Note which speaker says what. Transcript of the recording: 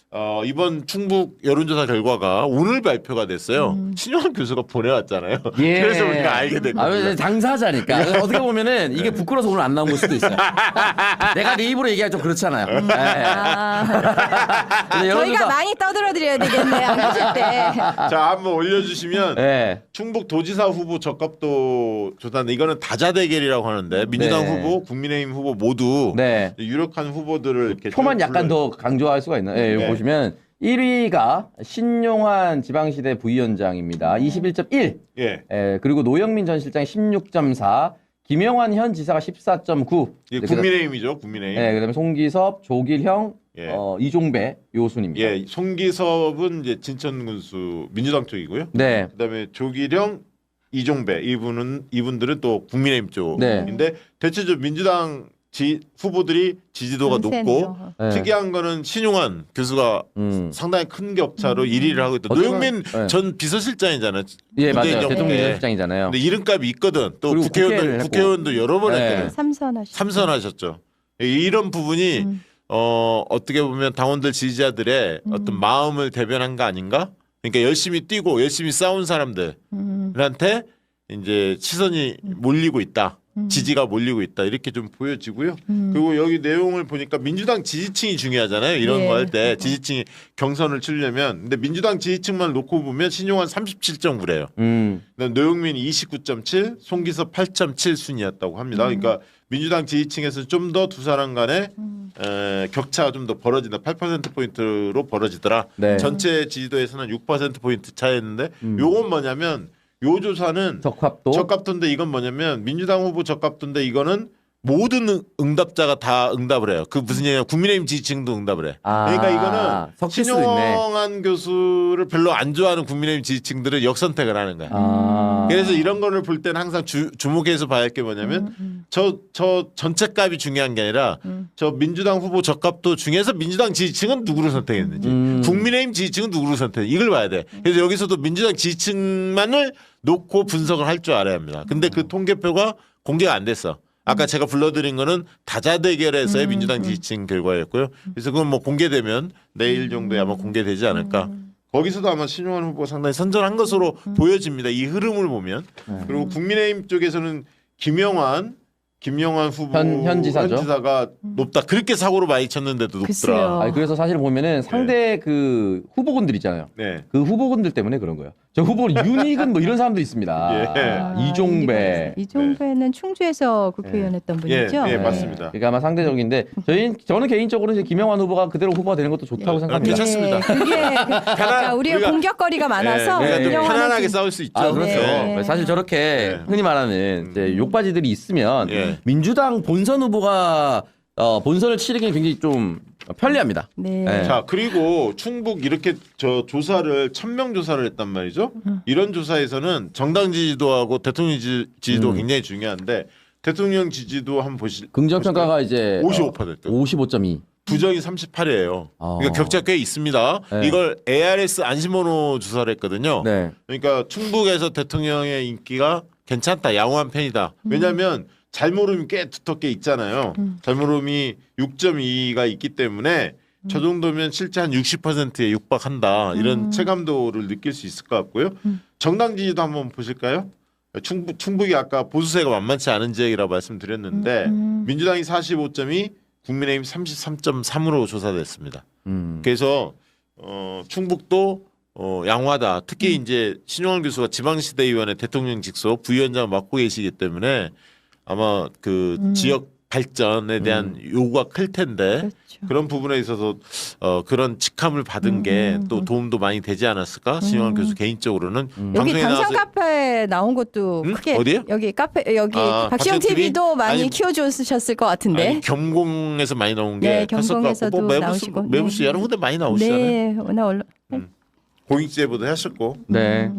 Speaker 1: 이번 충북 여론조사 결과가 오늘 발표가 됐어요. 신용환 교수가 보내왔잖아요.
Speaker 2: 예.
Speaker 1: 그래서 우리가 알게 된 겁니다.
Speaker 2: 당사자니까 어떻게 보면은 이게 부끄러워서 오늘 안 나온 걸 수도 있어요. 내가 내 입으로 얘기하기 좀 그렇잖아요.
Speaker 3: 저희가 많이 떠들어드려야 되겠네요. 안 계실 때.
Speaker 1: 자, 한번 올려주시면
Speaker 2: 네.
Speaker 1: 충북 도지사 후보 적합도 조사인데 이거는 다자 대결이라고 하는데 민주당
Speaker 2: 네.
Speaker 1: 후보, 국민의힘 후보 모두
Speaker 2: 네.
Speaker 1: 유력한 후보들을 이렇게
Speaker 2: 표만 약간
Speaker 1: 불러요.
Speaker 2: 더 강조할 수가 있나요? 네,
Speaker 1: 네.
Speaker 2: 보시면 1위가 신용환 지방시대 부위원장입니다. 21.1.
Speaker 1: 예.
Speaker 2: 그리고 노영민 전 실장 16.4. 김영환 현 지사가 14.9.
Speaker 1: 예, 국민의힘이죠, 국민의힘.
Speaker 2: 네, 그다음에 송기섭, 조길형,
Speaker 1: 예.
Speaker 2: 이종배 요 순입니다.
Speaker 1: 예, 송기섭은 이제 진천군수 민주당 쪽이고요.
Speaker 2: 네.
Speaker 1: 그다음에 조기령, 이종배 이분들은 또 국민의힘 쪽인데 대체적으로 민주당 후보들이 지지도가 높고
Speaker 2: 네.
Speaker 1: 특이한 거는 신용환 교수가 상당히 큰 격차로 1위를 하고 있다. 노영민
Speaker 2: 네.
Speaker 1: 전 비서실장이잖아요.
Speaker 2: 예, 맞아요.
Speaker 1: 문재인
Speaker 2: 대통령
Speaker 1: 정부에.
Speaker 2: 비서실장이잖아요.
Speaker 1: 근데 이름값이 있거든. 또
Speaker 2: 그리고
Speaker 1: 국회의원도 여러 번
Speaker 2: 네.
Speaker 1: 했거든. 삼선하셨죠. 이런 부분이 어떻게 보면 당원들 지지자들의 어떤 마음을 대변한 거 아닌가? 그러니까 열심히 뛰고 열심히 싸운 사람들한테 이제 시선이 몰리고 있다. 지지가 몰리고 있다. 이렇게 좀 보여지고요. 그리고 여기 내용을 보니까 민주당 지지층이 중요하잖아요. 이런
Speaker 3: 예.
Speaker 1: 거 할 때 지지층이 경선을 치려면 근데 민주당 지지층만 놓고 보면 신용환 37.9래요. 노영민 29.7, 송기섭 8.7 순이었다고 합니다. 그러니까 민주당 지지층에서 좀 더 두 사람 간의 격차가 좀 더 벌어진다. 8%포인트로 벌어지더라.
Speaker 2: 네.
Speaker 1: 전체 지지도에서는 6%포인트 차이였는데 요건 뭐냐면 요 조사는 적합도인데 이건 뭐냐면 민주당 후보 적합도인데 이거는 모든 응답자가 다 응답을 해요. 그 무슨 얘기냐 국민의힘 지지층도 응답을 해. 그러니까 이거는 신용환 교수를 별로 안 좋아하는 국민의힘 지지층들은 역선택을 하는 거야. 그래서 이런 거를 볼 때는 항상 주목해서 봐야 할 게 뭐냐면 저 전체 값이 중요한 게 아니라 저 민주당 후보 적합도 중에서 민주당 지지층은 누구를 선택했는지 국민의힘 지지층은 누구를 선택했는지 이걸 봐야 돼. 그래서 여기서도 민주당 지지층만을 놓고 분석을 할 줄 알아야 합니다. 근데 그 통계표가 공개가 안 됐어. 아까 제가 불러드린 거는 다자대결에서의 민주당 지지층 결과였고요. 그래서 그건 뭐 공개되면 내일 정도에 아마 공개되지 않을까. 거기서도 아마 신용환 후보가 상당히 선전한 것으로 보여집니다. 이 흐름을 보면. 그리고 국민의힘 쪽에서는 김영환 후보
Speaker 2: 현
Speaker 1: 지사가 높다. 그렇게 사고로 많이 쳤는데도 높더라.
Speaker 2: 그래서 사실 보면은 상대 그 후보군들 있잖아요.
Speaker 1: 네.
Speaker 2: 그 후보군들 때문에 그런 거예요. 저 후보 유닉은 뭐 이런 사람도 있습니다.
Speaker 1: 예.
Speaker 2: 이종배.
Speaker 3: 이종배는 충주에서 국회의원 했던 분이죠.
Speaker 1: 예, 맞습니다.
Speaker 2: 그러니까 아마 상대적인데 저는 개인적으로 이제 김영환 후보가 그대로 후보가 되는 것도 좋다고 생각합니다.
Speaker 1: 괜찮습니다.
Speaker 3: 그게 우리가 공격거리가 많아서
Speaker 1: 우리가 좀
Speaker 3: 김영환은
Speaker 1: 편안하게 싸울 수 있죠.
Speaker 2: 그렇죠.
Speaker 3: 네.
Speaker 2: 사실 저렇게 흔히 말하는 이제 욕바지들이 있으면 민주당 본선 후보가 본선을 치르기는 굉장히 좀 편리합니다.
Speaker 3: 네.
Speaker 1: 자, 그리고 충북 이렇게 저 조사를 1000명 조사를 했단 말이죠. 이런 조사에서는 정당 지지도하고 대통령 지지도 굉장히 중요한데 대통령 지지도 한번
Speaker 2: 긍정평가가 이제
Speaker 1: 55%.
Speaker 2: 55.2.
Speaker 1: 부정이 38이에요. 그러니까 격차 꽤 있습니다.
Speaker 2: 네.
Speaker 1: 이걸 ARS 안심번호 조사를 했거든요.
Speaker 2: 네.
Speaker 1: 그러니까 충북에서 대통령의 인기가 괜찮다. 양호한 편이다. 왜냐하면 잘모름이 꽤 두텁게 있잖아요. 잘모름이 6.2가 있기 때문에 저 정도면 실제 한 60%에 육박한다. 이런 체감도를 느낄 수 있을 것 같고요. 정당 지지도 한번 보실까요? 충북이 아까 보수세가 만만치 않은 지역이라고 말씀드렸는데 민주당이 45.2, 국민의힘 33.3으로 조사됐습니다. 그래서 충북도 양호하다. 특히 이제 신용환 교수가 지방시대의원의 대통령 직속 부위원장을 맡고 계시기 때문에 아마 그 지역 발전에 대한 요구가 클 텐데
Speaker 3: 그렇죠.
Speaker 1: 그런 부분에 있어서 그런 직함을 받은 게 또 도움도 많이 되지 않았을까? 신용환 교수 개인적으로는
Speaker 3: 여기
Speaker 1: 방송에
Speaker 3: 당선
Speaker 1: 나와서
Speaker 3: 카페 나온 것도 크게
Speaker 1: 어디요?
Speaker 3: 여기 카페 여기 박시영
Speaker 1: 박시영 TV?
Speaker 3: TV도 많이
Speaker 1: 아니,
Speaker 3: 키워주셨을 것 같은데.
Speaker 1: 아니, 겸공에서 많이 나온 게
Speaker 3: 네,
Speaker 1: 컸을 것
Speaker 3: 겸공에서도
Speaker 1: 같고 뭐
Speaker 3: 나오시고.
Speaker 1: 매부수 여러 군데 많이 나오시잖아요.
Speaker 3: 네, 오늘
Speaker 1: 공익제보도 하셨고.
Speaker 2: 네.